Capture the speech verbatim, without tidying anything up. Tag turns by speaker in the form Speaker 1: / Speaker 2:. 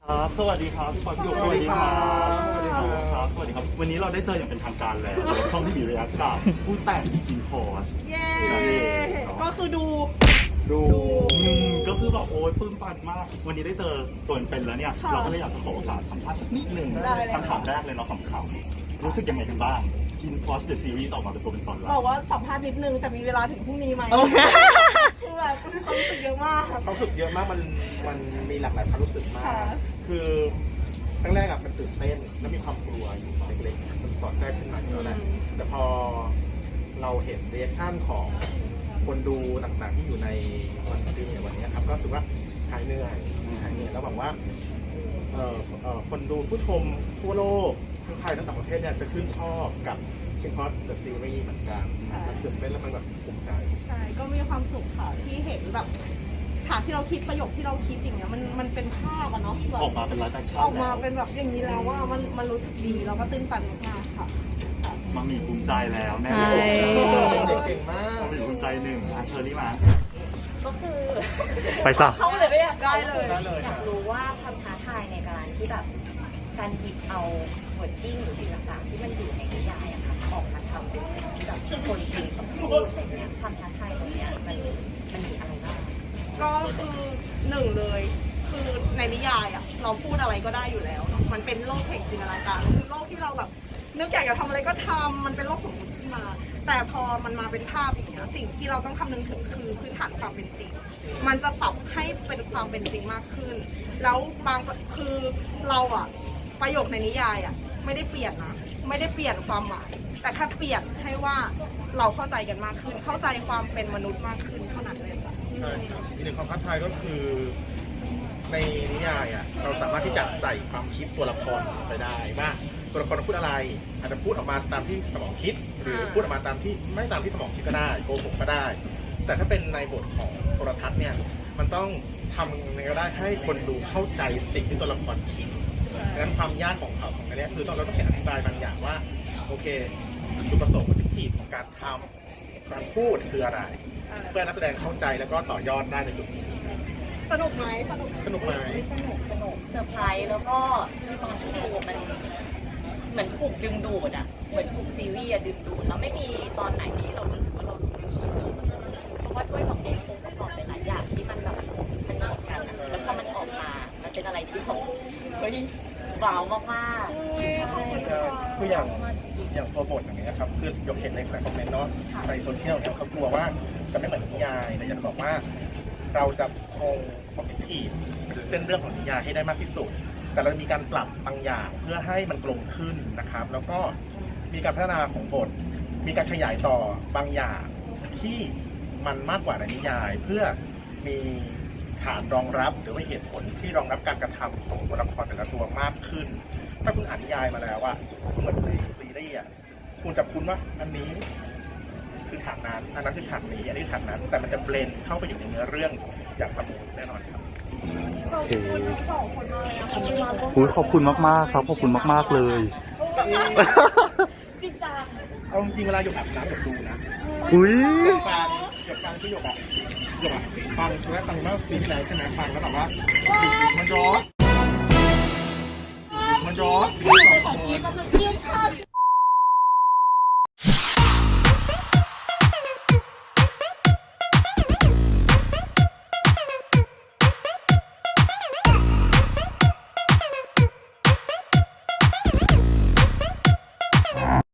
Speaker 1: ครับสวัสดีครับพี่ปอนพี่หยกสวัสดีครับสวัสดีครับสวัสดีครับวันนี้เราได้เจออย่างเป็นทางการแล้วช่องที่มีระยะกับผู้แต่งอินพอร์ส
Speaker 2: เย้ก็คือดู
Speaker 1: ดูก็คือแบบโอ๊ยปลื้มปันมากวันนี้ได้เจอตัวเป็นแล้วเนี่ยเราก็เลยอยากจะขอโอกาสสัมภาษณ์สักนิดหนึ่งคำถามแรกเลยเนาะคำๆรู้สึกยังไงกันบ้างอินพอร์สเดอะซีรีส์ออกมาเป็นตัวเป็นตนแล้ว
Speaker 2: บอกว่าสัมภาษณ์นิดนึงแต่มีเวลาถึงพรุ่งนี้ไหมคือแบบความรู้สึกเยอะมาก
Speaker 3: ความรู้สึกเยอะมากมันมันมีหลากหลายความรู้สึกมากคือตั้งแรกอะมันตื่นเต้นแล้วมีความกลัวอยู่เล็กๆมันสอดแทรกขึ้นมาแล้วแหละแต่พอเราเห็นเรีแอคชั่นของคนดูต่างๆที่อยู่ในวันสตรีมในวันนี้ครับก็รู้สึกว่าหายเหนื่อยหายเหนื่อยแล้วหวังว่าเอ่อเอ่อคนดูผู้ชมทั่วโลกทั้งไทยทั้งต่างประเทศเนี่ยจะชื่นชอบกับคิงคอสเดอะซีรีส์เหมือนกันมันตื่นเต้นแล้วมันแบบภูมิใจ
Speaker 2: ใช่ก็มีความสุขค่ะที่เห็นแบบฉากที่เราคิดประโยคที่เราคิดอย่างเงี้ยมันมันเป็นภาพอะเนาะ
Speaker 1: ออกมาเป็นไลฟ์แอคชั่น
Speaker 2: ออกมาเป็นแบบอย่างนี้แล้วว่ามันมันรู้สึกดีแล้วก็ตื้นตันมากค่ะ
Speaker 1: มามีภูมิใจแล้วแม่
Speaker 3: เก่งมาก
Speaker 1: มามีภูมิใจหนึ่งเชอรี่มา
Speaker 4: ก็คือ
Speaker 1: ไปจ้ะ
Speaker 4: เข้าเลยไม่อยาก
Speaker 2: ได้เลย
Speaker 4: อยากรู้ว่าความท้าทายในการที่แบบการหยิบเอาวอร์ดดิ้งหรือสิ่งต่างๆที่มันอยู่ในนิยายอะค่ะออกมาทำเป็นสิ่งที่แบบคนจริงต้องพูดอะไรเงี้ยความท้าทายตรงเนี้ยมันมันมีอะไรบ้าง
Speaker 2: ก็คือหนึ่งเลยคือในนิยายอ่ะเราพูดอะไรก็ได้อยู่แล้วเนาะมันเป็นโลกแห่งจินตนาการคือโลกที่เราแบบนึกอยากจะทำอะไรก็ทำมันเป็นโลกสมมติขึ้นมาแต่พอมันมาเป็นภาพอย่างเงี้ยสิ่งที่เราต้องคำนึงถึงคือพื้นฐานความเป็นจริงมันจะปรับให้เป็นความเป็นจริงมากขึ้นแล้วบางคือเราอ่ะประโยคในนิยายอ่ะไม่ได้เปลี่ยนนะไม่ได้เปลี่ยนความหมายแต่แค่เปลี่ยนให้ว่าเราเข้าใจกันมากขึ้นเข้าใจความเป็นมนุษย์มากขึ้นเท่านั้นเลยค่ะ
Speaker 3: ใช่ครับอีกหนึ่งความท้าทายก็คือในนิยายอ่ะเราสามารถที่จะใส่ความคิดตัวละครไปได้ว่าตัวละครพูดอะไรอาจจะพูดออกมาตามที่สมองคิดหรือพูดออกมาตามที่ไม่ตามที่สมองคิดก็ได้โกหกก็ได้แต่ถ้าเป็นในบทของโทรทัศน์เนี่ยมันต้องทำยังไงก็ได้ให้คนดูเข้าใจสิ่งที่ตัวละครคิดดังนั้นความยากของเขาของอันนี้คือต้องเราต้องอธิบายบางอย่างว่าโอเคจุดประสงค์วัตถุดิบของการทำการพูดคืออะไรเพื่อนักแสดงเข้าใจแล้วก็ต่อยอดได้ในจุดนี้
Speaker 2: สนุกไหมสนุก
Speaker 3: สนุกไหม
Speaker 4: สนุกสนุกเซอร์ไพรส์แล้วก็ตอนที่ดูมันเหมือนถูกดึงดูดอ่ะเหมือนถูกซีรีส์ดึงดูดแล้วไม่มีตอนไหนที่เรารู้สึกว่าเราดูเพราะว่าด้วยขององค์ประกอบหลายอย่างที่มันแบบมันเหมือนกันแล้วพอมันออกมามันเป็นอะไรที่ผมเฮ้ยว้าวมากๆ
Speaker 3: คืออย่างอย่างตัวบทอย่างเงี้ยครับคือยกเห็นในคอมเมนต์เนาะในโซเชียลเนี่ยเขากลัวว่าจะไม่เหมือนนิยายแต่อยากจะบอกว่าเราจะคงคอมพิวทีเส้นเรื่องของนิยายให้ได้มากที่สุดแต่เรามีการปรับบางอย่างเพื่อให้มันกลมขึ้นนะครับแล้วก็มีการพัฒนาของบทมีการขยายต่อบางอย่างที่มันมากกว่าในนิยายเพื่อมีฐานรองรับหรือว่าเหตุผลที่รองรับการกระทำของตัวละครแต่ละตัวมากขึ้นถ้าคุณอ่านนิยายมาแล้วอะเหมือนในซีรีส์อะคุณจะคุ้นว่าอันนี้คือฉากนั้นอันนั้นคือฉากนี้อันนี้ฉากนั้นแต่มันจะเบลนเข้าไปอยู่ในเนื้อเรื่องอย่างสมูทแน่นอนครับ
Speaker 2: ขอบคุณทั้งสองคนมากเลยนะคะที่มาร่วม
Speaker 1: อุ้ยขอบคุณมากๆครับขอบคุณมากๆเลย
Speaker 2: จริงจัง
Speaker 3: เอาจริงเวลาหยกอาบน้ำหยกดูนะ
Speaker 1: อุ้ย
Speaker 3: หยกฟังหยกฟังที่หยกอะหยกอะฟังแล้วฟังเมื่อปีที่แล้วใช่ไหมฟังแล้วแบบว่ามันร้อนมันร้อน
Speaker 2: ขอกินกำลังเพี้ยนข้าว